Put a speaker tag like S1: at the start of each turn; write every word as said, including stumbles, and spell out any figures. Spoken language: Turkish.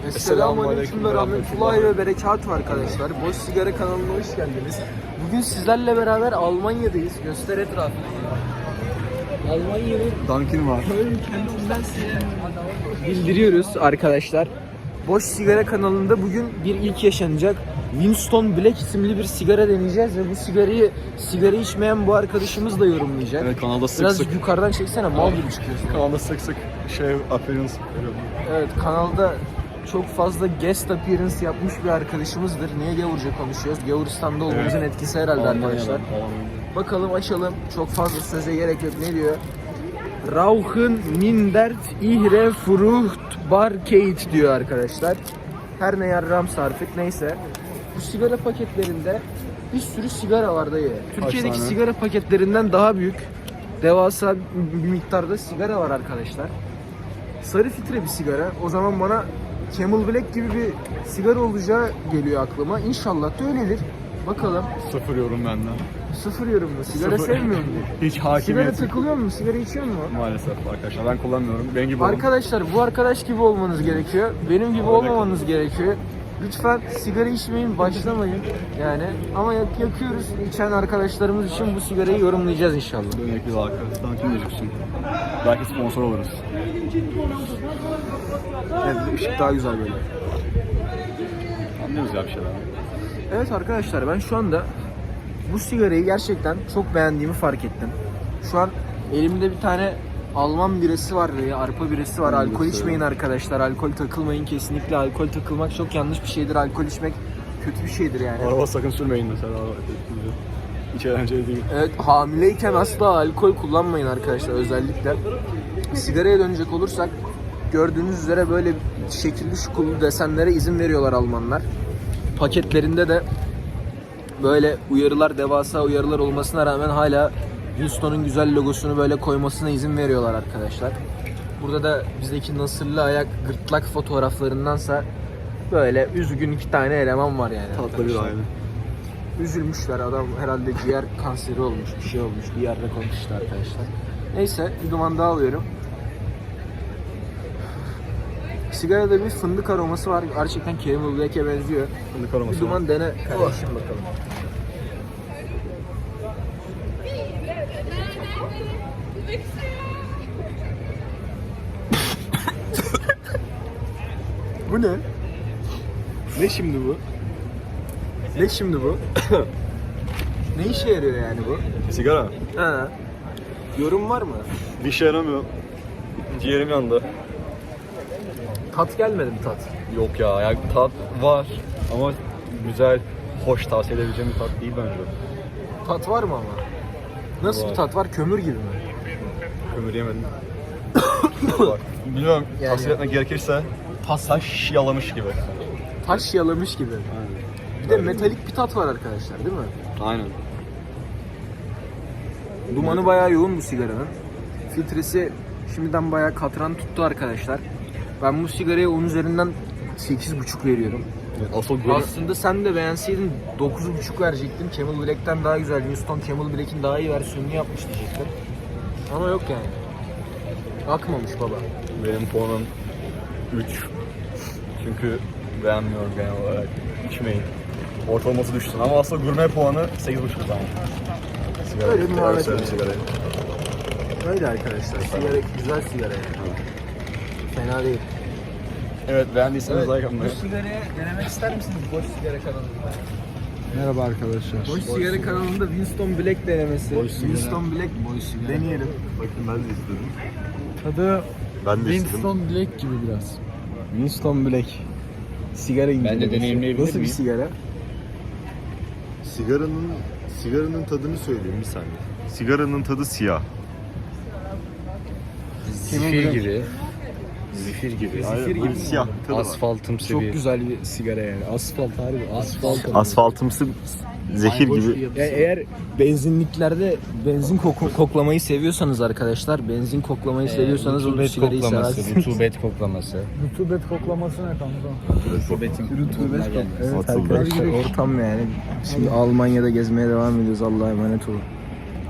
S1: Esselamualeyküm ve rahmetullahi ve berekatuhu arkadaşlar. Boş Sigara kanalına hoş geldiniz. Bugün sizlerle beraber Almanya'dayız. Göster etrafını. Almanya'nın
S2: Dunkin var.
S1: Köln kentinden size bildiriyoruz arkadaşlar. Boş Sigara kanalında bugün bir ilk yaşanacak. Winston Black isimli bir sigara deneyeceğiz ve bu sigarayı sigara içmeyen bu arkadaşımız da yorumlayacak.
S2: Evet, kanalda sık
S1: Biraz
S2: sık.
S1: yukarıdan çeksene, mal gibi çıkıyorsun.
S2: Kanalda sık sık şey appearance veriyorum.
S1: Evet, kanalda çok fazla guest appearance yapmış bir arkadaşımızdır. Niye gavurca konuşuyoruz? Gavuristan'da olmamızın
S2: Evet.
S1: etkisi herhalde
S2: Almanya'dan,
S1: arkadaşlar.
S2: Almanya'dan.
S1: Bakalım, açalım. Çok fazla söze gerek yok. Ne diyor? Rauchen mindert ihre Fruchtbarkeit diyor arkadaşlar. Her ne yarrams artık, neyse. Bu sigara paketlerinde bir sürü sigara var dayı. Türkiye'deki
S2: tane?
S1: sigara paketlerinden daha büyük, devasa bir miktarda sigara var arkadaşlar. Sarı filtre bir sigara. O zaman bana Camel Black gibi bir sigara olacağı geliyor aklıma. İnşallah da öyledir. Bakalım.
S2: Sıfır yorum benden.
S1: Sıfır yorum mu? Sigara
S2: Sıfır.
S1: sevmiyor musun?
S2: Hiç
S1: Sigara
S2: hakimiyet.
S1: takılıyor mu? Sigara içiyor mu?
S2: Maalesef arkadaşlar ben kullanmıyorum. Benim gibi olun.
S1: Arkadaşlar, bu arkadaş gibi olmanız gerekiyor. Benim gibi olmamanız gerekiyor. Lütfen sigara içmeyin, başlamayın. Yani ama yak yakıyoruz. İçen arkadaşlarımız için bu sigarayı yorumlayacağız inşallah.
S2: Dönekli halka. Dunkin gözüksün. Belki sponsor oluruz.
S1: Evet, ışık daha güzel böyle.
S2: Anlıyoruz ya bir şeyler.
S1: Evet arkadaşlar, ben şu anda bu sigarayı gerçekten çok beğendiğimi fark ettim. Şu an elimde bir tane Alman birası var ve arpa birası var.
S2: Ben de
S1: Alkol içmeyin
S2: seviyorum.
S1: arkadaşlar. Alkol takılmayın kesinlikle. Alkol takılmak çok yanlış bir şeydir. Alkol içmek kötü bir şeydir yani.
S2: Araba sakın sürmeyin mesela. Hiç eğlenceli değil.
S1: Evet, hamileyken asla alkol kullanmayın arkadaşlar özellikle. Sigaraya dönecek olursak, gördüğünüz üzere böyle şekilli şukullu desenlere izin veriyorlar Almanlar. Paketlerinde de böyle uyarılar, devasa uyarılar olmasına rağmen hala Winston'un güzel logosunu böyle koymasına izin veriyorlar arkadaşlar. Burada da bizdeki nasırlı ayak gırtlak fotoğraflarındansa böyle üzgün iki tane eleman var yani.
S2: Tatlı bir
S1: arkadaşlar.
S2: aile.
S1: Üzülmüşler, adam herhalde ciğer kanseri olmuş, bir şey olmuş, bir yerde konuştu arkadaşlar. Neyse, bir duman daha alıyorum. Sigarada bir fındık aroması var, gerçekten Camel Black'e benziyor.
S2: Fındık aroması
S1: Bir duman dene kardeşim bakalım. Bu ne? Ne şimdi bu? Ne şimdi bu? Ne işe yarıyor yani bu?
S2: Sigara.
S1: Ha. Yorum var mı?
S2: Bir şey yaramıyor. Ciğerim yandı.
S1: Tat gelmedi mi tat?
S2: Yok ya, yani tat var ama güzel, hoş, tavsiye edebileceğim bir tat değil bence.
S1: Tat var mı ama? Nasıl
S2: Var.
S1: bir tat var? Kömür gibi mi?
S2: Kömür yemedim. Bak, bilmiyorum,
S1: Yani-
S2: tavsiye etmek gerekirse taş yalamış gibi.
S1: Taş yalamış gibi.
S2: Aynen.
S1: Bir de metalik bir tat var arkadaşlar, değil mi?
S2: Aynen.
S1: Dumanı bayağı yoğun bu sigaranın. Filtresi şimdiden bayağı katran tuttu arkadaşlar. Ben bu sigaraya on üzerinden sekiz buçuk veriyorum.
S2: Evet, asıl böyle
S1: Aslında sen de beğenseydin dokuz buçuk verecektim. Camel Black'ten daha güzel. Winston Camel Black'in daha iyi versiyonunu yapmış diyecektim. Ama yok yani. Akmamış baba.
S2: benim puanım üç. Çünkü beğenmiyorum genel olarak. İçmeyin. Ortalaması düşsün ama aslında gurme puanı sekiz buçuk zaman. Sigara.
S1: Öyle bir muhabbet
S2: Güzel
S1: var.
S2: sigarayı.
S1: Öyle arkadaşlar. Sigara, güzel sigara yani. Fena değil.
S2: Evet, beğendiyseniz
S1: Evet,
S2: like atmayı.
S1: bu sigarayı denemek ister misiniz Boş Sigara kanalında?
S3: Merhaba arkadaşlar.
S1: Boş, Sigara kanalında Winston Black denemesi.
S2: Boş sigara.
S1: Winston Black Boş sigara. Deneyelim.
S2: Bakın ben de istedim.
S3: Tadı
S2: Ben de
S3: Winston Black gibi biraz.
S1: Winston Black. Sigara incelemesi.
S4: Ben de deneyimleyebilir
S1: Nasıl bir
S4: miyim?
S1: sigara?
S5: Sigaranın sigaranın tadını söyleyeyim bir saniye. Sigaranın tadı siyah.
S4: Zifir gibi. Zifir gibi.
S1: Zifir gibi.
S5: Siyah tadı var.
S4: Asfaltımsı
S1: Çok
S4: bir.
S1: güzel bir sigara yani. Asfalt harbi. Asfalt.
S5: Asfaltımsı zehir gibi.
S1: Yani eğer benzinliklerde benzin koku- koklamayı seviyorsanız arkadaşlar, benzin koklamayı seviyorsanız o
S4: rutubet
S1: sigarayı
S4: koklaması,
S1: seversiniz.
S4: rutubet koklaması.
S3: Rutubet koklaması ne kanka?
S4: Rutubetin
S1: Rutubet
S4: gelmesi.
S1: Evet
S5: Atıldı.
S1: arkadaşlar, ortam yani. Şimdi Almanya'da gezmeye devam ediyoruz. Allah'a emanet olun.